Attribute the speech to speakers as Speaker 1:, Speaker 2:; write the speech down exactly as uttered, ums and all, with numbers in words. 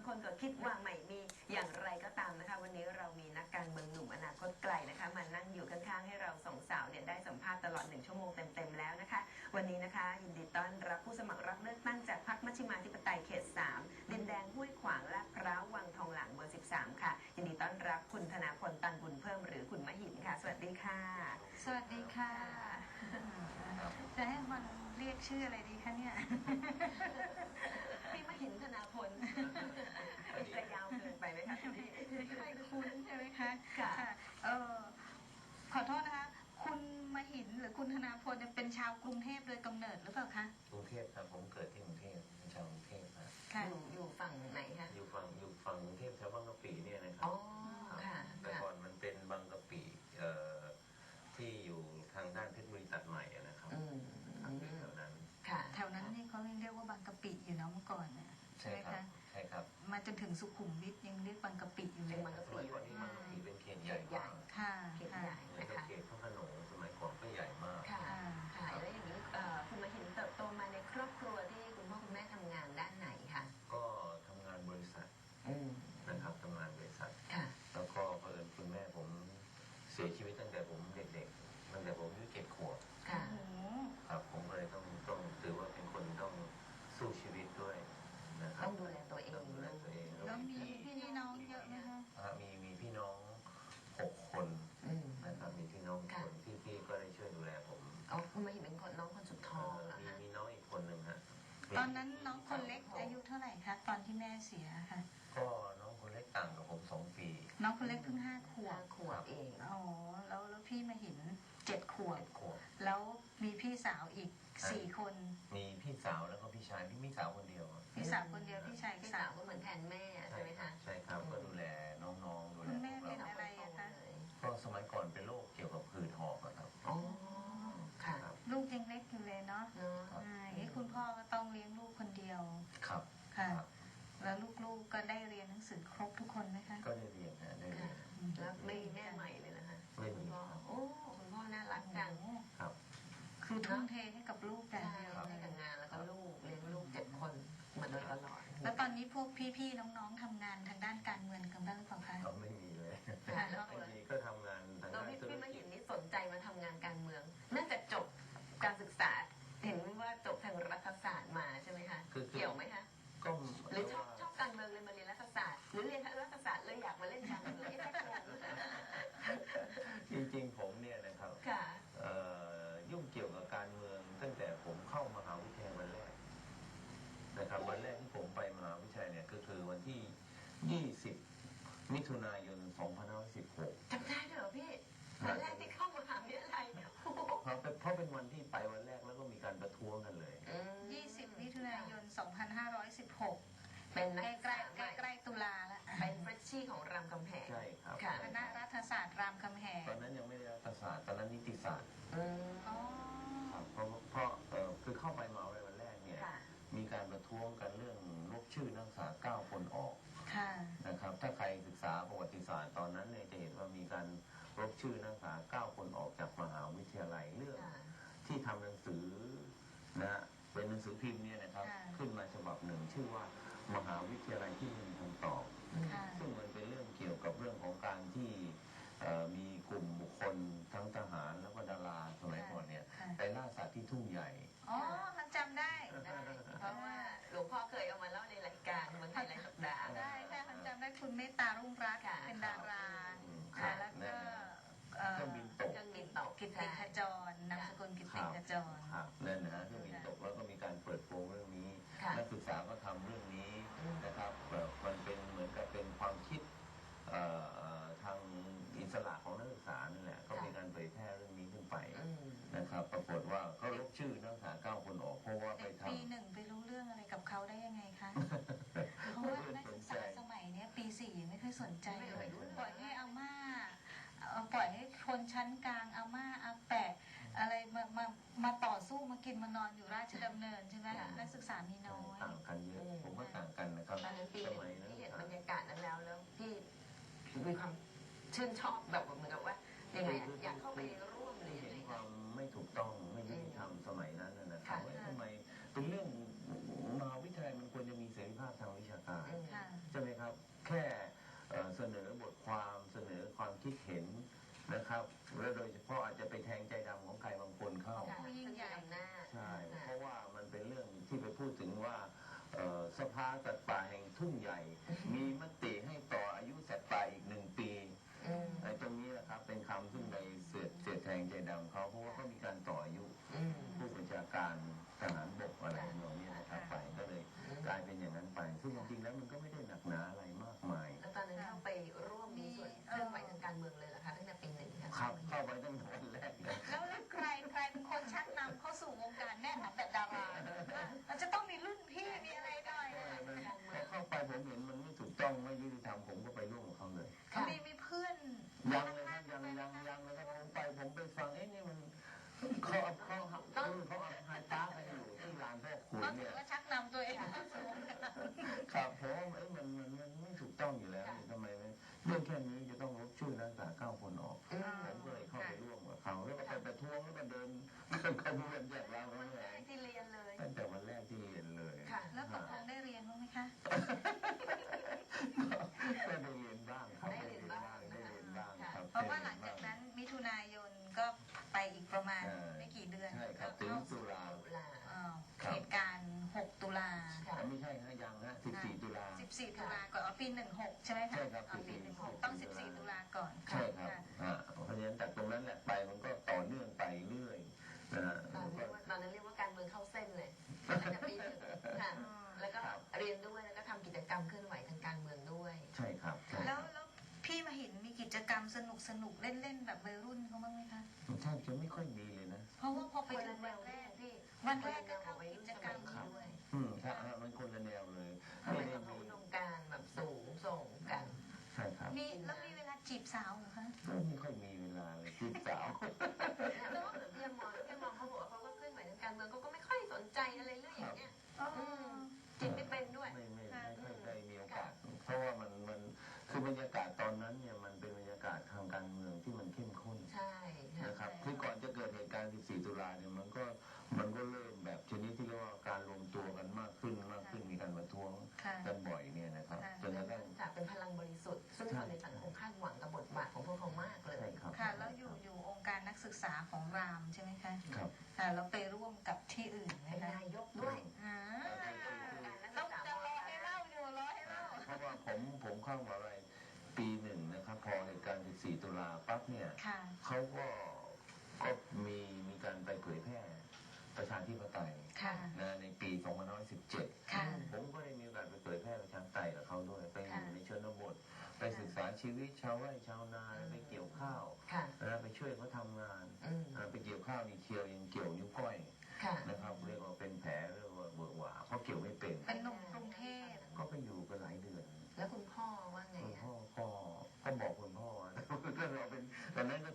Speaker 1: คนก็คิดว่าไม่มีอย่างไรก็ตามนะคะวันนี้เรามีนักการเมืองหนุ่มอนาคตไกลนะคะมานั่งอยู่ข้างๆให้เราสองสาวเนี่ยได้สัมภาษณ์ตลอดหนึ่งชั่วโมงเต็มๆแล้วนะคะวันนี้นะคะยินดีต้อนรับผู้สมัครรับเลือกตั้งจากพรรคมัชฌิมาธิปไตยเขตสามดินแดงห้วยขวางและพร้าววังทองหลางเบอร์สิบสามค่ะยินดีต้อนรับคุณธนาพลตันบุญเพิ่มหรือคุณมหินค่ะสวัสดีค่ะ
Speaker 2: สวัสดีค่ะจะให้มันเรียกชื่ออะไรดีคะเนี่ย
Speaker 1: พี่มหินธนาพลจะยาวเกินไปไหมคะพี่
Speaker 2: ไม่ค่อยคุ้นใช่ไหมคะ
Speaker 1: ค่ะ
Speaker 2: เออขอโทษนะคะคุณมหินหรือคุณธนาพลเป็นชาวกรุงเทพโดยกำเนิดหรือเปล่าคะ
Speaker 3: กรุงเทพครับผมเกิดที่กรุงเทพเป็นชาวกรุงเทพครับ
Speaker 1: อยู่อยู่ฝั่งไหนคะ
Speaker 3: อยู่ฝั่งอยู่ฝั่งกรุงเทพแถวบางกะปิเนี่ยนะครับ
Speaker 1: อ๋อค่ะ
Speaker 3: แต่ก่อนมันเป็นบางกะปิเอ่อที่อยู่ทางด้านเพชรบุรีตัดใหม่นะครับแถวนั้น
Speaker 2: ค่ะแถวนั้นนี่เขาเรียกว่าบางกะปิอยู่นะเมื่อก่อนเนี่ยใช่ไหมคะ
Speaker 3: ใช่ครับ
Speaker 2: มาจนถึงสุขุมวิทยังเรียกบางกะปิอยู่เลย
Speaker 1: บางกะปิ
Speaker 3: ก่อนที่บางกะปิเป็นเขตใหญ่
Speaker 2: ค่ะ
Speaker 1: เขตใหญ่
Speaker 3: นะคะเขตพระโขนงสมัยก่อนก็ใหญ่มาก
Speaker 1: ค่ะค่ะแล้วอย่างนี้คุณมาเห็นเติบโตมาในครอบครัวที่คุณพ่อคุณแม่ทำงานด้านไหนคะ
Speaker 3: ก็ทำงานบริษัทนะครับทำงานบริษัทแล้วก็เพิ่นคุณแม่ผมเสียชีวิตตั้งแต่ผมเด็กๆตั้งแต่ผมอายุเจ็ดขวบครับผมเลยต้องต้องถือว่าเป็นคนต้องสู้ชีวิตด้วยนะครับ
Speaker 1: ต้องดูแลตัวเอง
Speaker 3: ดูแลตัวเอง
Speaker 2: แล้วมีพี่น้องเยอะไหมคะ
Speaker 3: มีมีพี่น้องหกคนนะครับมีพี่น้องคนที่พี่ก็ได้ช่วยดูแลผม
Speaker 1: อ๋อคุณมาเห็นเป็นคนน้องคนสุดท้องเหรอ
Speaker 3: มี
Speaker 1: คะ
Speaker 3: มีน้องอีกคนหนึ่งฮะ
Speaker 2: ตอนนั้นน้องคนเล็กอายุเท่าไหร่คะตอนที่แม่เสียค่ะ
Speaker 3: ก็น้องคนเล็กต่างกับผมสองปี
Speaker 2: น้องคนเล็กเพิ่งห้าขวบ
Speaker 1: ขวบเอง
Speaker 2: อ๋อแล้วแล้วพี่มาเห็นเจ็ดขวบ
Speaker 3: ขวบ
Speaker 2: แล้วมีพี่สาวอีกสี่คน
Speaker 3: มีพี่สาวแล้วก็พี่ชายพี่มีสาวคนเดียว
Speaker 2: พี่สาวคนเดียวพี่ชาย
Speaker 1: พี่สาวก็เหมือนแทนแม่ใช่ไหมคะ
Speaker 3: ใช่ครับก็ดูแลน้องๆดูแล
Speaker 2: คุณแม่เป็นอะไรคะ
Speaker 3: ก็สมัยก่อนเป็นโรคเกี่ยวกับผื่นหอบครับ
Speaker 1: อ๋อค่ะ
Speaker 2: ลูกยังเล็กอยู่เลยเนาะอย่างนี้คุณพ่อก็ต้องเลี้ยงลูกคนเดียว
Speaker 3: ครับ
Speaker 2: ค่ะแล้วลูกๆก็ได้เรียนหนังสือครบทุกคนไหมคะ
Speaker 3: ก็ได้เรียนนะได้เรียน
Speaker 1: แล้วไม่แม่ใหม่เลยนะคะ
Speaker 3: ไม่มี
Speaker 1: โอ้คุณพ่อน่ารักจัง
Speaker 3: ครับ
Speaker 2: คือทุ่มเทให้กับลูกแต่
Speaker 1: เดียวให้กับงานแล้วก็ลูกเลี้ยงลูกเจ็ดคนมาโดยตลอด
Speaker 2: แล้วตอนนี้พวกพี่ๆน้องๆทำงานทางด้านการเมืองกันบ้างหรือเปล่าคะ
Speaker 3: ไม่มีเลยบางทีก็ทำงานทางด้าน
Speaker 1: ธุรกิจพี่มาเห็นนี่สนใจมาทำงานการเมืองน่าจะจบการศึกษาเห็นว่าจบทางรัฐศาสตร์มาใช่ไหมคะเกี่ยวไหมคะ
Speaker 3: ก็
Speaker 1: หรือชอบชอบการเมืองเลยมาเรียนรัฐศาสตร์หรือเรียนรัฐศาสตร์เลยอยากมาเล่นการเมือง
Speaker 3: จริงๆผมเนี่ยนะครับยุ่งเกี่ยวกับการเมืองตั้งแต่ผมเข้ามหาวิทยาลัยวันแรกนะครับวันแรกที่ผมไปมหาวิทยาลัยเนี่ยก็คือวันที่ยี่สิบมิถุนายนสองพันห้าร้อยสิบหก
Speaker 1: จำได้เหรอพี่วันแรกที่เข้ามหาวิทยาลัย
Speaker 3: เพราะเพราะเป็นวันที่ไปวันแรกแล้วก็มีการประท้วงกันเลย
Speaker 2: ยี่สิบมิถุนายนสองพันห้าร้อยสิบหก
Speaker 1: เป็น
Speaker 2: ใกล้ใกล้ใกล้ตุลาแล้ว
Speaker 1: เป็นเฟรชชี่ของรามคำแหง
Speaker 3: ใช่ครับ
Speaker 2: คณะรัฐศาสตร์รามคำแหง
Speaker 3: ตอนนั้นยังไม่ได้รัฐศาสตร์ตอนนั้นนิติศาสตร์
Speaker 2: อ๋อ
Speaker 3: เพราะเพราะคือเข้าไปมาวันแรกเนี่ยมีการประท้วงกันเรื่องลบชื่อนักศึกษาเก้าคนออกนะครับถ้าใครศึกษาประวัติศาสตร์ตอนนั้นเนี่ยจะเห็นว่ามีการลบชื่อนักศึกษาเก้าคนออกจากมหาวิทยาลัยเรื่องที่ทำหนังสือนะเป็นหนังสือพิมพ์เนี่ยนะครับขึ้นมาฉบับหนึ่งชื่อว่ามหาวิทยาลัยที่ไม่มีคำตอบซึ่งมันเป็นเรื่องเกี่ยวกับเรื่องของการที่มีกลุ่มบุคคลทั้งทหารแล้วก็ดาราสมัยก่อนเนี่ยไปล่าสัตว์ที่ทุ่งใหญ่
Speaker 2: อ๋อมันจำได้
Speaker 1: เพราะว่าหลวงพ่อเคยเอามาเล่าในรายการเมืองไทยรายสัปดาห์
Speaker 2: ได้ได้มันจำได้คุณเมตตารุ่งรัตน์เป็นดาราแล้วก็
Speaker 3: เครื่องบินตก
Speaker 1: เครื่องบินตก
Speaker 2: กิตติขจรนามสกุลกิตติขจร
Speaker 3: นั่นนะฮะเครื่องบินตกแล้วก็มีการเปิดโปงเรื่องนี้นักศึกษาก็ทำเรื่องนี้นะครับมันเป็นเหมือนกับเป็นความคิดทางอิสระของนักศึกษานั่นแหละก็มีการเผยแพร่เรื่องนี้ขึ้นไปนะครับปรากฏว่าเขาลบชื่อนักศึกษาเก้าคนออกเพราะว่าไปทำ
Speaker 2: ปีหนึ่งไปรู้เรื่องอะไรกับเขาได้ยังไงคะเพราะว่านักศึกษาสมัยนี้ปีสี่ไม่ค่อยสนใจเลยปล่อยให้อาม่าปล่อยให้คนชั้นกลางอาม่าอาแปะอะไรมามามาต่อสู้มากินมานอนอยู่ราชดำเนินใช่ไหมนักศึกษามีน้อย
Speaker 3: ต่างกันเยอะผมว่าต่างกันนะครับ
Speaker 1: สมัยนั้นที่เห็นบรรยากาศนั้นแล้วแล้วพี่มีความชื่นชอบแบบเหมือนกับว่ายังไงอยากเข้าไปร่วมเลย
Speaker 3: เห็นความไม่ถูกต้องไม่ยุติธรรมสมัยนั้นนะครับว่าทำไมเป็นเรื่องมหาวิทยาลัยมันควรจะมีเสรีภาพทางวิชาการใช่ไหมริงๆแล้วมันก็ไม่ได้หนักหนาอะไรมากมาย
Speaker 1: แล้วตอนนั้นเข้าไปร่วมมีส่วนเคลื่อนไหวทางการเมืองเลยเหรอคะตั้งแต่ปีหนึ่งค่ะ
Speaker 3: ครับเข้าไปตั้งแต่วันแรกเลย
Speaker 2: แล้วแล้วใครใครเป็นคนชักนำเข้าสู่วงการแน่นอนแบบดารามันจะต้องมีรุ่นพี่มีอะไรหน่อย
Speaker 3: พอเข้าไปผมเห็นมันไม่ถูกต้องไม่ยุติธรรมผมก็ไปร่วมกับเขาเลย
Speaker 2: มีมีเพื่อน
Speaker 3: ยังเลยครับยังยังยังเลยครับผมไปผมไปฟังเอ๊ะนี่มันเขาเอาเขาเอาเขาเอาไฮปาร์คกันอยู่ที่ลานพ่อขุน
Speaker 2: ก็ถื
Speaker 3: เนี่
Speaker 2: อย ว่าชักนำตัวเองเข้าสู่วงการ
Speaker 3: ครับเพราะว่าเอ้ยมันมันมันไม่ถูกต้องอยู่แล้วนี่ทำไมไม่เรื่องแค่นี้จะต้องลบชื่อนักศึกษาเก้าคนออกผมก็เลยเข้าไปร่วมกับเขาแล้วก็ไปประท้วงแล้วก็เดินเดินขบวนจากเรา
Speaker 1: วั
Speaker 3: แล้
Speaker 1: น
Speaker 3: ว
Speaker 1: แร
Speaker 3: ไง
Speaker 1: กที่เรียนเลย
Speaker 3: ตั้งแต่วันแรกที่เรียนเลย
Speaker 1: ค่ะ
Speaker 2: แล้วตกลงได้เรียนบ้างไหมคะ
Speaker 3: ก็ได้เรียนบ้างครับ
Speaker 1: ได้เรียนบ้าง
Speaker 3: ได้เรียนบ้างครับ
Speaker 2: เพราะว่าหลังจากนั้นมิถุนายนก็ไปอีกประมาณไม่กี่เดือน
Speaker 3: ใช่ครับถึงตุลา
Speaker 1: ตุลา
Speaker 2: เอ่อเหตุการณ์หกตุลา
Speaker 1: ค่ะ
Speaker 3: ไม่ใช่ฮะยังฮะสิบสี่ตุลา
Speaker 2: สิบสี่ตุลาก่อนเอาปีหนึ่งหกใช่ไหมคะ
Speaker 3: ใช่ครับ
Speaker 2: เอาปี
Speaker 3: สิบสี่
Speaker 2: หนึ่งหกต้องสิบสี่ตุลาก่อน
Speaker 3: ใช่ครับอ่าเพราะฉะนั้นจากตรงนั้นแหละไปมันก็ต่อเนื่องไปเรื่อยนะฮะ
Speaker 1: ตอน
Speaker 3: แล้ว
Speaker 1: เรี
Speaker 3: ก็
Speaker 1: ยกว่าตอนนั้นเรียกว่าการเมืองเข้าเส้นเลยตั้งแต่ปีหนึ่งค่ะแล้วก็เรียนด้วยแล้วก็ทำกิจกรรมเคลื่อนไหวทางการเมืองด้วย
Speaker 3: ใช่ครับใช่ค
Speaker 2: แล้
Speaker 3: รั
Speaker 2: ว
Speaker 3: บ
Speaker 2: แล้วพี่มาเห็นมีกิจกรรมสนุกสนุกๆเล่นๆแบบวัยรุ่นเขาบ้างไหมคะ
Speaker 3: แทบจะไม่ค่อยมีเลยนะ
Speaker 2: เพราะว่าพอไป
Speaker 1: คน
Speaker 2: ถึ
Speaker 1: ละ
Speaker 2: ง
Speaker 1: แน
Speaker 2: วัน
Speaker 1: ว
Speaker 2: แรก
Speaker 1: พี่
Speaker 2: วันแรกก็เข้ากิจกรรมนี้ด้วย
Speaker 3: อืมครับอ่ะมันคนละแนวเลย
Speaker 1: ไม่
Speaker 3: ไม่
Speaker 1: ได้
Speaker 3: ได้
Speaker 1: มี
Speaker 3: มี
Speaker 1: อุดมการณ์แบบสูงส่งกัน
Speaker 3: ใช่ครับ
Speaker 2: มีแล้วมีเวลาจีบสาวเหรอคะ
Speaker 3: ก็ไม่ค่อยมีเวลาเลยจีบสาว
Speaker 1: แล้วก็เหมือนพี่มองพี่มองเขาบอกว่าเขาก็เคลื่อนไหวทางการเมืองเขาก็ไม่ค่อยสนใจอะไรเรื่องอย่างเงี้ย
Speaker 2: อ๋อ
Speaker 1: อืมจิตไม่เป็นด้วย
Speaker 3: ไม่ไม่ไม่ค่อยได้มีโอกาส เพราะว่ามันมันคือบรรยากาศตอนนั้นเนี่ยมันเป็นบรรยากาศทางการเมืองที่มันเข้มข้น
Speaker 1: ใช่ค่ะ
Speaker 3: นะครับคือก่อนจะเกิดเหตุการณ์ สิบสี่ ตุลาเนี่ยมันก็มันก็เริ่มแบบชนิดที่เรียกว่าการรวมตัวกันมากขึ้นมากขึ้นมีการประท้วง
Speaker 2: ค่ะ
Speaker 3: กันบ่อยเนี่ยนะครับจนกระทั่ง
Speaker 1: จากเป็นพลังบริสุทธิ์ซึ่งคนในสังคมคาดหวังกับบทบาทของพวกเขามากเลย
Speaker 3: ใช่ครับ
Speaker 2: ค่ะ แล้วอยู่อยู่องค์การนักศึกษาของรามใช่ไหมคะ
Speaker 3: ครับ
Speaker 2: ค่ะแล้วไปร่วมกับที่อื่นไหม
Speaker 1: เป็น
Speaker 2: คะ
Speaker 1: นายกด้วย
Speaker 2: อ่า
Speaker 1: การนัก
Speaker 2: ต้
Speaker 1: ศึ
Speaker 2: อง
Speaker 1: กษา
Speaker 2: จะรอให้เล่าอยู่รอให้เล่า
Speaker 3: เพราะว่าผมผมเข้ามาอะไรปีหนึ่งนะครับพอเหตุการณ์ สิบสี่ ตุลาปั๊บเนี่ย
Speaker 2: ค่ะ
Speaker 3: เขาก็ก็มีมีการไปเผยแพร่ประชาธิปไตย
Speaker 2: ค่ะ
Speaker 3: นะในปีสองพันห้าร้อยสิบเจ็ด
Speaker 2: ค่ะ
Speaker 3: ผมก็ได้มีโอกาสไปเผยแพร่ประชาธิปไตยกับเขาด้วยไปอ
Speaker 2: ค่ะ
Speaker 3: ยู่ในชนบทไปศึกษาชีวิตชาวไร่ชาวนาไปเกี่ยวข้าว
Speaker 1: ค่ะ
Speaker 3: นะไปช่วยเขาทำงาน
Speaker 1: อืม
Speaker 3: อ่าไปเกี่ยวข้าวนี่เคียวยังเกี่ยวนิ้วก้อย
Speaker 1: ค่ะ
Speaker 3: นะครับเรียกว่าเป็นแผลเรียกว่าเบื่อหวาเพราะเกี่ยวไม่เป็น
Speaker 2: เป็นหนุ่มกรุงเทพ
Speaker 3: ก็ไปอยู่กันหลายเดือน
Speaker 1: แล้วคุณพ่อว่าไง
Speaker 3: คุณ
Speaker 1: อะ
Speaker 3: พ่อก็ก็บอกคุณพ่อว่า ก็เราเป็นตอนนั้นก็